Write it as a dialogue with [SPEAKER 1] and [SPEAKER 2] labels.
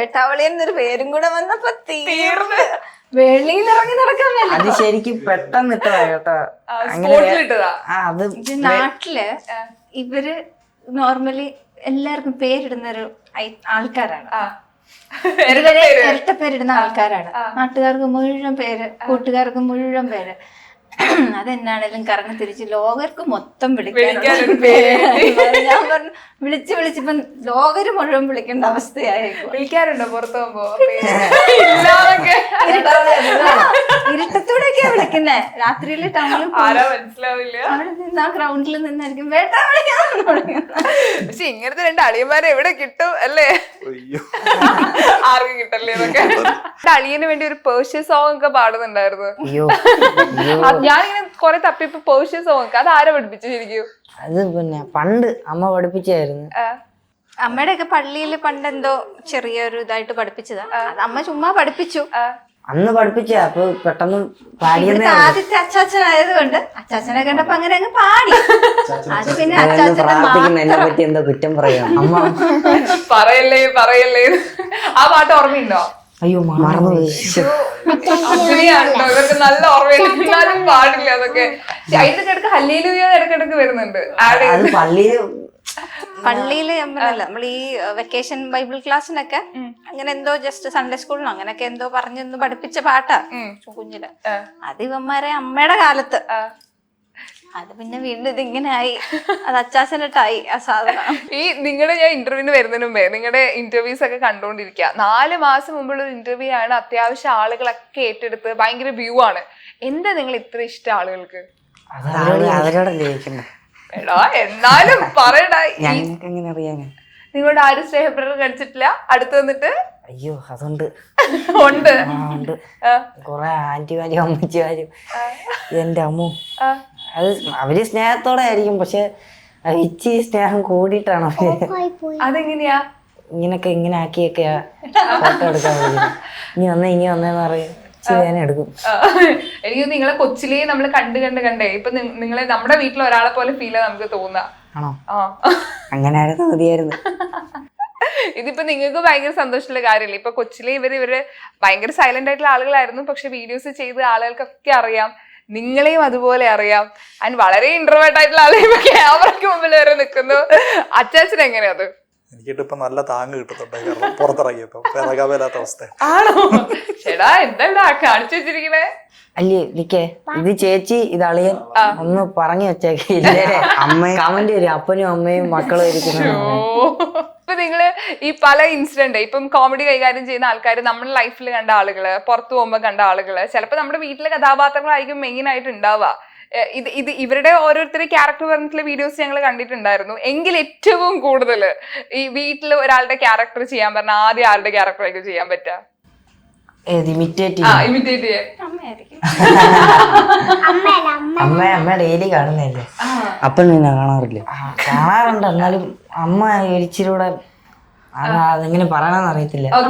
[SPEAKER 1] വേട്ടാവളി എന്നൊരു പേരും കൂടെ വന്നപ്പോ തീർന്ന് വെളിയിൽ ഇറങ്ങി നടക്കാൻ പറ്റില്ല.
[SPEAKER 2] അത് ശരിക്കും പെട്ടെന്ന് ഇട്ടതാ കേട്ടോ. അത്
[SPEAKER 1] നാട്ടില് ഇവര് നോർമലി എല്ലാവർക്കും പേരിടുന്നൊരു ആൾക്കാരാണ്. ഇരട്ട പേരിടുന്ന ആൾക്കാരാണ്. നാട്ടുകാർക്ക് മുഴുവൻ പേര്, കൂട്ടുകാർക്ക് മുഴുവൻ പേര്. അതെന്നാണേലും കറങ്ങി തിരിച്ച് ലോകർക്ക് മൊത്തം വിളിക്കാനൊരു പേര്. ഞാൻ പറഞ്ഞു വിളിച്ച് വിളിച്ചിപ്പം ലോകര് മുഴുവൻ വിളിക്കേണ്ട അവസ്ഥയായിരിക്കും.
[SPEAKER 3] വിളിക്കാറുണ്ടോ പുറത്തു പോകുമ്പോ?
[SPEAKER 1] ഇരുട്ടത്തോടെയൊക്കെയാ വിളിക്കുന്നേ. രാത്രിയില് ടൗണിൽ
[SPEAKER 3] മനസ്സിലാവില്ല,
[SPEAKER 1] അവിടെ നിന്ന് ആ ഗ്രൗണ്ടിൽ നിന്നായിരിക്കും വേട്ടാ വിളിക്കാൻ തുടങ്ങുന്നത്.
[SPEAKER 3] പക്ഷെ ഇങ്ങനത്തെ രണ്ട് അളിയന്മാരെ എവിടെ കിട്ടും അല്ലേ? ആർക്കും കിട്ടല്ലേ എന്നൊക്കെ. അളിയന് വേണ്ടി ഒരു പേർഷ്യ സോങ് ഒക്കെ പാടുന്നുണ്ടായിരുന്നു. ഞാനിങ്ങനെ കൊറേ തപ്പിപ്പോ പേർഷ്യ സോങ് അത് ആരാ പഠിപ്പിച്ചു ശരിക്കും?
[SPEAKER 2] അത് പിന്നെ പണ്ട് അമ്മ പഠിപ്പിച്ചായിരുന്നു.
[SPEAKER 1] അമ്മയുടെ ഒക്കെ പള്ളിയില് പണ്ട് എന്തോ ചെറിയൊരു ഇതായിട്ട് പഠിപ്പിച്ചതാ. അത് അമ്മ ചുമ്മാ പഠിപ്പിച്ചു.
[SPEAKER 2] അന്ന് പഠിപ്പിച്ച അപ്പൊ പെട്ടെന്ന് പാടിയെന്നേ.
[SPEAKER 1] ആദ്യത്തെ അച്ചാച്ചനായത് കൊണ്ട് അച്ചാച്ചനെ കണ്ടപ്പോ അങ്ങനെ അങ്ങ് പാടി. അത് പിന്നെ
[SPEAKER 2] എന്നെ പറ്റി എന്താ കുറ്റം പറയാം അമ്മ?
[SPEAKER 3] പറയല്ലേ പറയല്ലേ. ആ പാട്ട് ഓർമ്മയുണ്ടോ?
[SPEAKER 2] അയ്യോ മറന്നുപോയി.
[SPEAKER 3] അങ്ങനെയാണോ? ഇവർക്ക് നല്ല ഓർമ്മയുണ്ടാലും പാടില്ല അതൊക്കെ. അതിന്റെ ഇടയ്ക്ക് ഹല്ലേലൂയ ഇടയ്ക്കിടയ്ക്ക് വരുന്നുണ്ട്.
[SPEAKER 2] അത്
[SPEAKER 1] പള്ളിയില് നമ്മൾ ഈ വെക്കേഷൻ ബൈബിൾ ക്ലാസ്സിനൊക്കെ അങ്ങനെ എന്തോ ജസ്റ്റ് സൺഡേ സ്കൂളിനോ അങ്ങനെയൊക്കെ എന്തോ പറഞ്ഞൊന്ന് പഠിപ്പിച്ച പാട്ടാ കുഞ്ഞില്. അത് ഇവന്മാരെ അമ്മയുടെ കാലത്ത്. അത് പിന്നെ വീണ്ടും ഇതിങ്ങനെ ആയി. അത് അച്ചാച്ചനിട്ടായി ആ സാധനം.
[SPEAKER 3] ഈ നിങ്ങളുടെ ഞാൻ ഇന്റർവ്യൂവിന് വരുന്നതിന് മുമ്പേ നിങ്ങളുടെ ഇന്റർവ്യൂസ് ഒക്കെ കണ്ടോണ്ടിരിക്കുക. 4 മാസം മുമ്പുള്ള ഒരു ഇന്റർവ്യൂ ആണ്. അത്യാവശ്യം ആളുകളൊക്കെ ഏറ്റെടുത്ത് ഭയങ്കര വ്യൂ ആണ്. എന്താ നിങ്ങൾ ഇത്ര ഇഷ്ടം ആളുകൾക്ക്? എടാ എന്നാലും പറയടാ. നിങ്ങളുടെ ആരും സ്നേഹപ്രകടനം കഴിച്ചിട്ടില്ല അടുത്ത് വന്നിട്ട്?
[SPEAKER 2] അയ്യോ അതുണ്ട്
[SPEAKER 3] ഉണ്ട്.
[SPEAKER 2] കൊറേ ആന്റിമാരും അമ്മച്ചിമാരും എന്റെ അമ്മു. അത് അവര് സ്നേഹത്തോടെ ആയിരിക്കും, പക്ഷെ ഇച്ചിരി സ്നേഹം കൂടിയിട്ടാണ്
[SPEAKER 3] അതെങ്ങനെയാ
[SPEAKER 2] ഇങ്ങനൊക്കെ ഇങ്ങനെ ആക്കിയൊക്കെയാ ഫോട്ടോ എടുക്കാൻ വിളിക്കുന്നത്. ഇനി വന്നേന്ന് പറയും. എടുക്കും.
[SPEAKER 3] എനിക്ക് നിങ്ങളെ കൊച്ചിലേ നമ്മള് കണ്ടേ ഇപ്പൊ നിങ്ങളെ നമ്മുടെ വീട്ടിൽ ഒരാളെ പോലെ ഫീൽ നമുക്ക് തോന്നാ.
[SPEAKER 2] ആണോ? അങ്ങനെ ആയിരുന്നു മതിയായിരുന്നു.
[SPEAKER 3] ഇതിപ്പോ നിങ്ങൾക്ക് ഭയങ്കര സന്തോഷമുള്ള കാര്യമല്ലേ? ഇപ്പൊ കൊച്ചിലെ ഇവര് ഭയങ്കര സൈലന്റ് ആയിട്ടുള്ള ആളുകളായിരുന്നു. പക്ഷെ വീഡിയോസ് ചെയ്ത് ആളുകൾക്കൊക്കെ അറിയാം, നിങ്ങളെയും അതുപോലെ അറിയാം. ആൻഡ് വളരെ ഇൻട്രോവേർട്ട് ആയിട്ടുള്ള ആളെയും ക്യാമറയ്ക്ക് മുമ്പിൽ വരെ നിൽക്കുന്നു. അച്ചാച്ചൻ എങ്ങനെയാ അത്?
[SPEAKER 4] എനിക്കിട്ടിപ്പോ നല്ല താങ്ങ് കിട്ടുന്നുണ്ട്. കാരണം പുറത്തിറങ്ങിയപ്പോ ഇറങ്ങാൻ മേലാത്ത അവസ്ഥ.
[SPEAKER 3] ആണോ? ചേടാ എന്താ കാണിച്ചു വെച്ചിരിക്കണേ?
[SPEAKER 2] അല്ലേ നിക്കേ, ഇത് ചേച്ചി ഇത് അളിയൻ ഒന്ന് പറഞ്ഞു വെച്ചേക്കില്ലേ? അമ്മയും കമന്റ് വരും, അപ്പനും അമ്മയും മക്കളും ഇരിക്കുന്നു.
[SPEAKER 3] ഇപ്പൊ നിങ്ങള് ഈ പല ഇൻസിഡന്റ് ഇപ്പം കോമഡി കൈകാര്യം ചെയ്യുന്ന ആൾക്കാർ നമ്മുടെ ലൈഫിൽ കണ്ട ആളുകള്, പുറത്തു പോകുമ്പോ കണ്ട ആളുകള്, ചിലപ്പോ നമ്മുടെ വീട്ടിലെ കഥാപാത്രങ്ങളായിരിക്കും മെയിൻ ആയിട്ട് ഉണ്ടാവുക. ഇത് ഇവരുടെ ഓരോരുത്തരുടെ ക്യാരക്ടർ പറഞ്ഞിട്ടുള്ള വീഡിയോസ് ഞങ്ങൾ കണ്ടിട്ടുണ്ടായിരുന്നു. എങ്കിൽ ഏറ്റവും കൂടുതൽ ഈ വീട്ടിൽ ഒരാളുടെ ക്യാരക്ടർ ചെയ്യാൻ പറഞ്ഞാൽ ആദ്യം ആരുടെ ക്യാരക്ടർ ആയിരിക്കും ചെയ്യാൻ പറ്റുക?
[SPEAKER 2] അമ്മ ഡെയിലി കാണുന്നല്ലേ, അപ്പം നിന്നെ കാണാറുണ്ട്. എന്നാലും അമ്മ ഇച്ചിരി കൂടെ അതെങ്ങനെ പറയണമെന്ന് അറിയത്തില്ല.